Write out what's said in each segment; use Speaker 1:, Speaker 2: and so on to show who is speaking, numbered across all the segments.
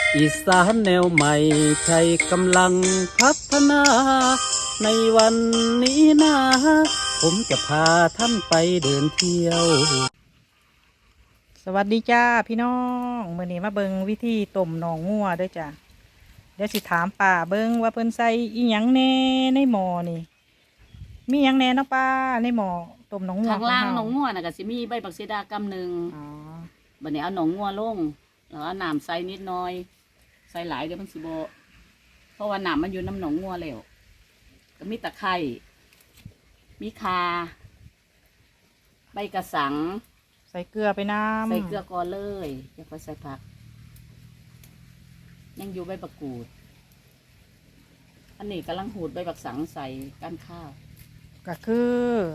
Speaker 1: อีสานแนวใหม่ใช้กำลังพัฒนา ในวันนี้นะผมจะพาท่านไปเดินเที่ยว
Speaker 2: สวัสดีจ้าพี่น้องมื้อนี้มาเบิงวิธีต้มหนองงัวเด้วยจ้าเดี๋ยวสิถามป้าเบิงว่าเพิ่นใส่อีหยังแหน่ในหม้อนี่มีหยังแหน่เนาะป้าในหม้อต้มหนองงัว
Speaker 3: ข้างล่าง
Speaker 2: เฮ
Speaker 3: หนองงัวน่ะก็สิมีใบบักซีดากำหนึ่ง
Speaker 2: อ๋อ
Speaker 3: บัดนี้เอาหนองงัวลงแล้วเอาน้ำใส่นิดหน่อย ใส่หลายเดี๋ยวมันสิบ่เพราะว่าน้ำมันอยู่น้ำหนองงัวแล้วก็มีตะไคร้มีข่าใบกระสัง
Speaker 2: ใส่เกลือไปน้ำ
Speaker 3: ใส่เกลือก่อนเลยอย่าค่อยใส่ผัก ยังอยู่ใบบักกูด อันนี้กำลังหูดใบบักสังใส่ก้านข้าว
Speaker 2: ก็คือ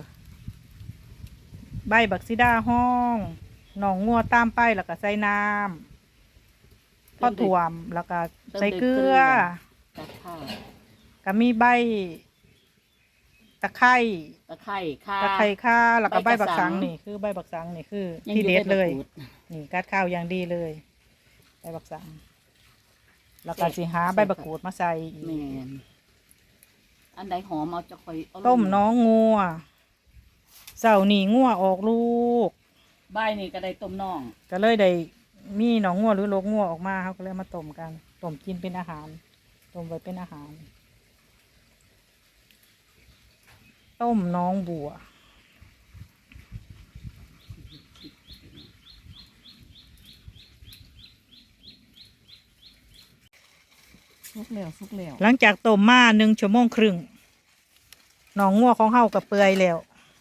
Speaker 2: ใบบักซิดาห้องหนองงัวตามไปแล้วก็ใส่น้ำพอถ่วมแล้วก็ใส่เกลือ
Speaker 3: ก้านข้าว
Speaker 2: ก็มีใบตะไคร้
Speaker 3: ตะไคร้ข่า
Speaker 2: ตะไคร้ข่าแล้วก็ใบ
Speaker 3: ใบก
Speaker 2: บั
Speaker 3: ระ
Speaker 2: ก
Speaker 3: สั
Speaker 2: สัง
Speaker 3: ง
Speaker 2: นี่คือใบบักสังนี่คือ
Speaker 3: ยัง
Speaker 2: ที่
Speaker 3: อยู่
Speaker 2: เด็ดเลย
Speaker 3: ใบบักกูด
Speaker 2: นี่กัดข้าวอย่างดีเลยใบบักสังแล้วก็สิหาใบบักกูดมาใส่อี
Speaker 3: แม่
Speaker 2: ก
Speaker 3: นอันใดหอมเอาจะคอยเอาลง
Speaker 2: ต้มน้องงัวเสาร์นี่งัวออกลูก
Speaker 3: ใบนี่ก็ได้ต้มน่อง
Speaker 2: ก็เลยได้มีหนองงัวหรือโลกงัวออกมาเขาก็เลยมาต้มกันต้มกินเป็นอาหารต้มไว้เป็นอาหาร ต้มน้องบัว
Speaker 3: สุกแล้วสุกแล้ว
Speaker 2: หลังจากต้มมา1 ชั่วโมงครึ่งหนองงัวของเฮากับเปื่อยแล้ว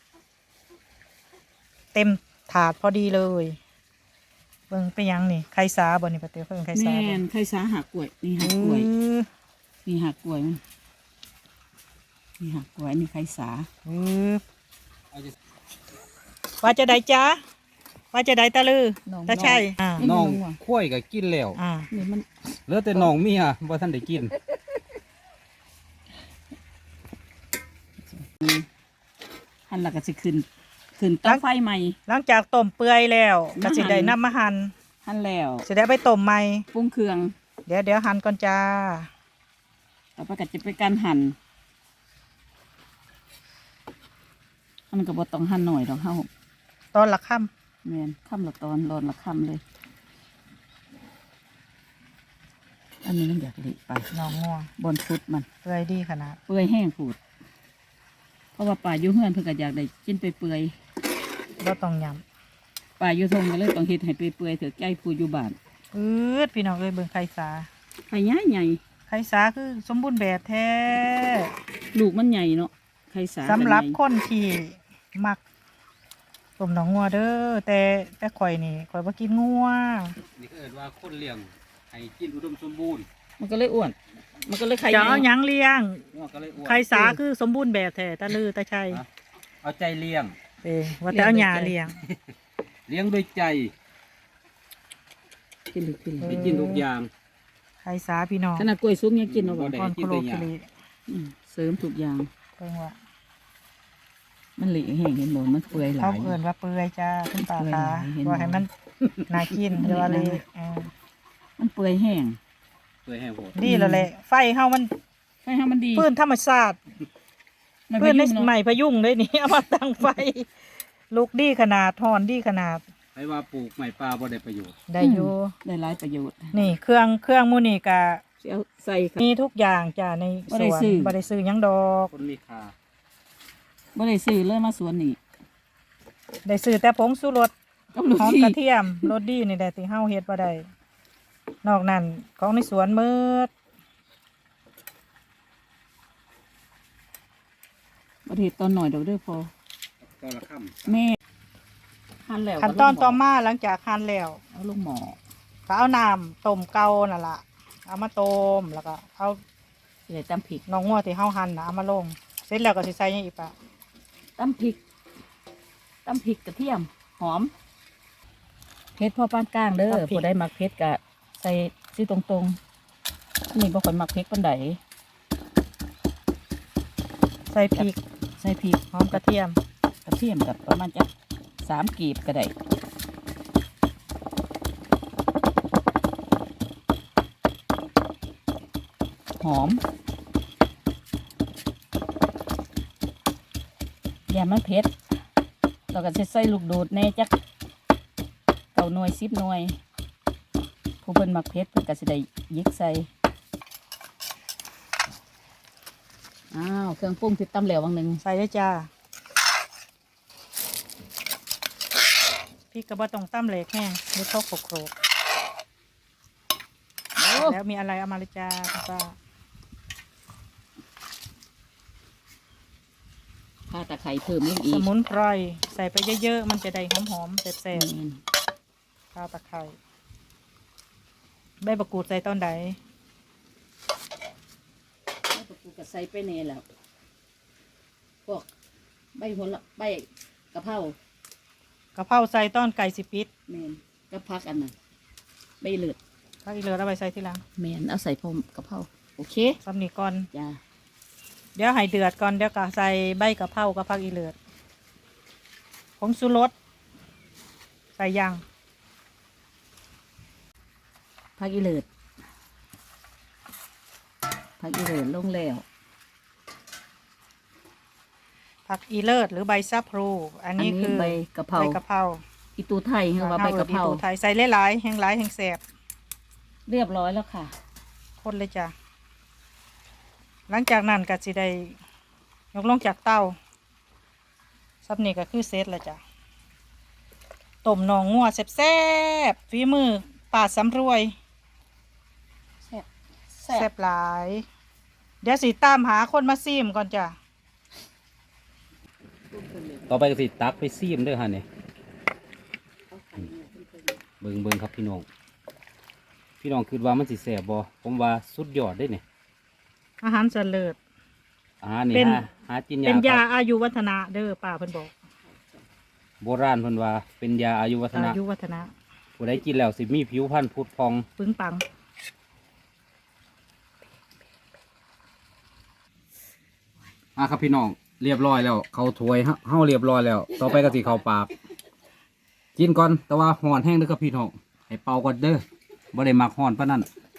Speaker 2: เต็มถาดพอดีเลยเบิ่งไปยังนี่ไข่สาบ่นี่ปะเตียวเพิ่งไข่สา
Speaker 3: แม่
Speaker 2: บ่
Speaker 3: นไข่สาหักกล้วยนี่หักกล้วย
Speaker 2: อ
Speaker 3: นี่หักกล้วยมันนี่หักกล้วยนี่ไข่สา
Speaker 2: อว่าจะได้จ้าว่าจะได้ตะลือตาใช่อ่า
Speaker 1: น้องข้วยก็กินแล้ว
Speaker 2: อ่า
Speaker 3: นี่มัน
Speaker 1: เหลือแต่น้องเมียว่าท่านได้กิน
Speaker 3: หั่นและก็สิขึ้นเตาไฟใหม่
Speaker 2: หลังจากต้มเปื่อยแล้วก็สิได้น้ำมาหั่น
Speaker 3: หั่นแล้ว
Speaker 2: สิได้ไปต้มใหม่
Speaker 3: ปรุงเครื่อง
Speaker 2: เดี๋ยวหั่นก่อนจ้า
Speaker 3: ต่อไปก็จะเป็นการหั่นมันก็บ่ต้องหั่นหน่อยดอกเฮา
Speaker 2: ตอนละค่
Speaker 3: แม่นค่ำละตอนร้อนละค่ำเลย อันนี้มันอยากเละไป
Speaker 2: ำหนองงัว
Speaker 3: บนฟุตมัน
Speaker 2: เปื่อยดีขนาด
Speaker 3: เปื่อยแห้งผูด เพราะว่าป่าอยู่เฮือนเพิ่นก็อยากได้กินไปเปื่อย
Speaker 2: บ่ต้องย
Speaker 3: ป่าอยู่ทงก็เลยต้องเฮ็ดให้เปื่อยๆเถอะใจผู้อยู่บ้าน
Speaker 2: ำพี่น้องเอ้ยเบิ่งไข่สา
Speaker 3: ไข่ใหญ่ใหญ่
Speaker 2: ไข่สาคือสมบูรณ์แบบแท้
Speaker 3: ลูกมันใหญ่เนาะไข่สา
Speaker 2: สำหรับ
Speaker 3: ก็ใญ่
Speaker 2: คนที่มักต้มหนองงัวเด้อแต่ข่อยนี่ข่อยบ่กินงัว
Speaker 1: นี่ก็เอิ้นว่าคนเลี้ยงให้กินอุดมสมบูรณ์
Speaker 3: มันก็เลยอ้วน มันก็เลยไข่ให
Speaker 2: จะ
Speaker 3: ญ่
Speaker 2: เอาหยังเลี้ยง
Speaker 1: งัวก็เลยอ้วน
Speaker 2: ไข่สาคือสมบูรณ์แบบแท้ตะลือตะชัย
Speaker 1: เอาใจเลี้ยง
Speaker 2: ว่าแต่เอาหญ้าเลี้ยง
Speaker 1: เลี้ยงด้วยใจ
Speaker 3: กินเลยกินเลย
Speaker 1: ได้กินทุกอย่าง
Speaker 2: ไข่สาพี่น้อง
Speaker 3: ขนาดกล้วยสุกยังกินเอาบ่
Speaker 1: ได้
Speaker 2: ก่อน
Speaker 1: กิ
Speaker 2: โคน โล
Speaker 1: แต่หญ้า
Speaker 2: คิริ
Speaker 3: เสริมทุกอย่าง
Speaker 2: เพิ่งว่า
Speaker 3: มันเละแห้งเห็นบ่มันเปื่อยหลา
Speaker 2: เขา
Speaker 3: ย
Speaker 2: เอิ่นว่าเปื่อยจ้าขึ้นปลา
Speaker 3: เปื่อย
Speaker 2: คา
Speaker 3: หลายเห็น
Speaker 2: ว่าให้มันน่ากิน
Speaker 3: มัน
Speaker 2: เดี๋ยวว่าเลย
Speaker 3: เละนะ มันเปื่อยแห้ง
Speaker 1: เพื่อให้โหด
Speaker 2: ดีแล้วแหละไฟเฮามัน
Speaker 3: ไฟให้มันดี
Speaker 2: พื้นธรรมชาติ
Speaker 3: มัน
Speaker 2: พื้นใน
Speaker 3: ยุ่งเนาะ
Speaker 2: ใหม่พยุงเลยนี่ เอามาตั้งไฟลูกดีขนาดทอนดีขนาด
Speaker 1: ให้ว่าปลูกไม้ป่าบ่ได้ประโยชน์
Speaker 2: ได้อยู่
Speaker 3: ได้หลายประโยชน์
Speaker 2: นี่เครื่องมูนี่กะ
Speaker 3: สิเอาใส่ค่ะ
Speaker 2: มีทุกอย่างจ้าในส
Speaker 3: บ่ได้
Speaker 2: วน
Speaker 3: ซื้อ
Speaker 2: บ่ได้ซื้อหยังดอก
Speaker 1: คนมีค่า
Speaker 3: บ่ได้ซื้อเลยมาสวนนี่
Speaker 2: ได้ซื้อแต่ผงชูรส
Speaker 3: กับลูก
Speaker 2: หอม
Speaker 3: ที่
Speaker 2: กระเทียมรสดีนี่แหละที่เฮาเฮ็ดบ่ได้นอกนั้นของในสวนหมืด
Speaker 3: ประเทศตอนหน่อยเดี๋ยวเด้อพอ
Speaker 1: ตอนละค่ำ
Speaker 3: แม่หั่นแล้ว
Speaker 2: ขั้นตอนต่อมาหลังจากหั่นแล้ว
Speaker 3: เอาลงหม้อ
Speaker 2: ก็เอาน้ำต้มเก่านั่นล่ะเอามาต้มแล้วก็เอา
Speaker 3: สิได้ตำพริก
Speaker 2: น้องงัวที่เฮาหั่นน่ะเอามาลงเสร็จแล้วก็สิใส่หยังอีกปะ
Speaker 3: ตำพริกกระเทียมหอมเผ็ดพอปานกลางเด้อผู้ใดมักเผ็ดก็ใส่สิตรงๆอันนี้บ่ค่อยมักเผ็ดปานใด
Speaker 2: ใส่พริก
Speaker 3: ใส่พริก
Speaker 2: หอมกระเทียม
Speaker 3: กระเทียมกับประมาณจัก3กีบก็ได้หอมอย่ามันเผ็ดเราก็จะใส่ลูกโดดแน่จัก9 หน่วย10 หน่วยผู้เพิ่นมักเผ็ดเพิ่นก็สิได้ยิกใส่อ้าวเครื่องปรุงที่ตำแล้ววังหนึ่ง
Speaker 2: ใส่ได้จ้าพี่กระบะตรงตั้มเหล็กแห้งเดี๋ยวเข้าโขลก
Speaker 3: โอ้
Speaker 2: ๆแล้วมีอะไรเอามาเลยจ้าคุณป้า
Speaker 3: ข้าตะไคร้เพิ่มลง
Speaker 2: ส
Speaker 3: อีก
Speaker 2: มุนไพรใส่ไปเยอะๆมันจะได้หอมๆแซ่บ
Speaker 3: แม่น
Speaker 2: ๆข้าวตะไคร้ใบมะกรูดใส่ตอนใด
Speaker 3: แล้วก็กูก็ใส่ไปแน่แล้วพวกใบโหระใบกะเพราก
Speaker 2: ะเพราใส่ตอนไก่สิปิด
Speaker 3: แม่นก็พักอันนั้นใบเลือด
Speaker 2: พักอีเหลือเอาไปใส่ทีหลัง
Speaker 3: แม่นเอาใส่พร้อมกะเพราโอเค
Speaker 2: ซ้ำนี่ก่อน
Speaker 3: จ้า
Speaker 2: เดี๋ยวให้เดือดก่อนเดี๋ยวก็ใส่ใบกะเพรากับผักอีเหลือผงชูรสใส่ยัง
Speaker 3: พักอีเลือดพักอีเลือดลงแล้ว
Speaker 2: ผักอีเลิศหรือใบซะพลูอันนี้คือ
Speaker 3: ใบกะเพรา
Speaker 2: ใบกะเพรา
Speaker 3: อีตูไทยคือว่าใบกะเพรา
Speaker 2: อีตูไทยใส่หลายๆแห้งหลายแห้งแสบ
Speaker 3: เรียบร้อยแล้วค่ะ
Speaker 2: คนเลยจ้ะหลังจากนั้นก็สิได้ยกลงจากเตาซับนี่ก็คือเซตแล้วจ้ะต้มหนองงัวแซ่บๆฝีมือป่าสำรวย
Speaker 3: แซ่บ
Speaker 2: แซ่บหลาย เดี๋ยวสิตามหาคนมาซีมก่อนจ้ะ
Speaker 1: ต่อไปก็สิตักไปซีมเด้อฮะเนี่ยเบิ่งครับพี่น้องคิดว่ามันสิแสบบ่ผมว่าสุดยอดได้เนี่ย
Speaker 2: อาหารเสลิด
Speaker 1: อาหารนี่
Speaker 2: เป็น
Speaker 1: หากินยา
Speaker 2: เป็นยา
Speaker 1: ครับ
Speaker 2: อายุวัฒนะเด้อป้าเพิ่นบอก
Speaker 1: โบราณเพิ่นว่าเป็นยาอายุวัฒนะ
Speaker 2: อายุวัฒนะ
Speaker 1: ผู้ใดกินแล้วสิมีผิวพรรณผุดพอง
Speaker 2: ปึ้งปัง
Speaker 1: ครับพี่น้องเรียบร้อยแล้วเขาถ้วยเฮาเรียบร้อยแล้ว ต่อไปก็สิเข้าปากกินก่อนแต่ว่าห่อนแห้งเด้อครับพี่น้องให้เป่าก่อนเด้อบ่ได้มักห่อนปานนั้น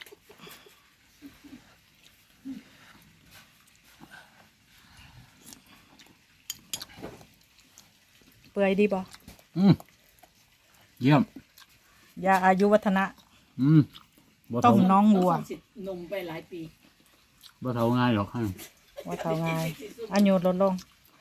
Speaker 2: เปื่อยดีบ่
Speaker 1: เยี่ยม
Speaker 2: ยาอายุวัฒนะ
Speaker 1: บ่
Speaker 2: ต้
Speaker 1: เท่าม
Speaker 2: น้องวัว
Speaker 3: เอาสินมไปหลายปี
Speaker 1: บ่เท่าง่ายหรอกครับ
Speaker 2: ว่าเท่าไงอายุลดลง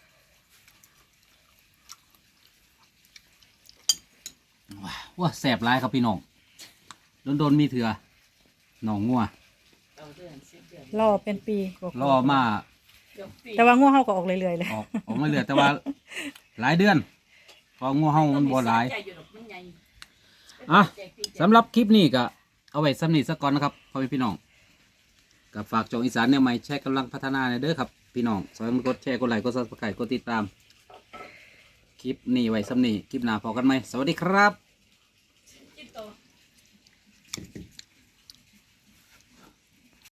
Speaker 1: ว้าแสบร้ายครับพี่น้องโดนมีเถื่อหนองงัว
Speaker 3: เอาเดือน10 เดือน
Speaker 2: รอเป็นปีกว่าๆ
Speaker 1: รอมา
Speaker 3: เดี๋ยวปี
Speaker 2: แต่ว่างัวเฮาก็ออกเรื่อยๆเลย
Speaker 1: ออกมาเหลือแต่ว่าหลายเดือนเพองัวเฮามันบ่หลาย
Speaker 3: ใจอยู่ดอกมันใหญ่
Speaker 1: อ่ะสำหรับคลิปนี้ก็เอาไว้สำนีสักก่อนนะครับพ่อแม่พี่น้องกับฝากจองอีสานแนวใหม่แชร์กำลังพัฒนาในเด้อครับพี่น้องสอยมันกดแชร์กดไลค์กดซับสไครต์กดติดตามคลิปนี้ไว้สำนีคลิปหน้าพอกันไหมสวัสดีครับ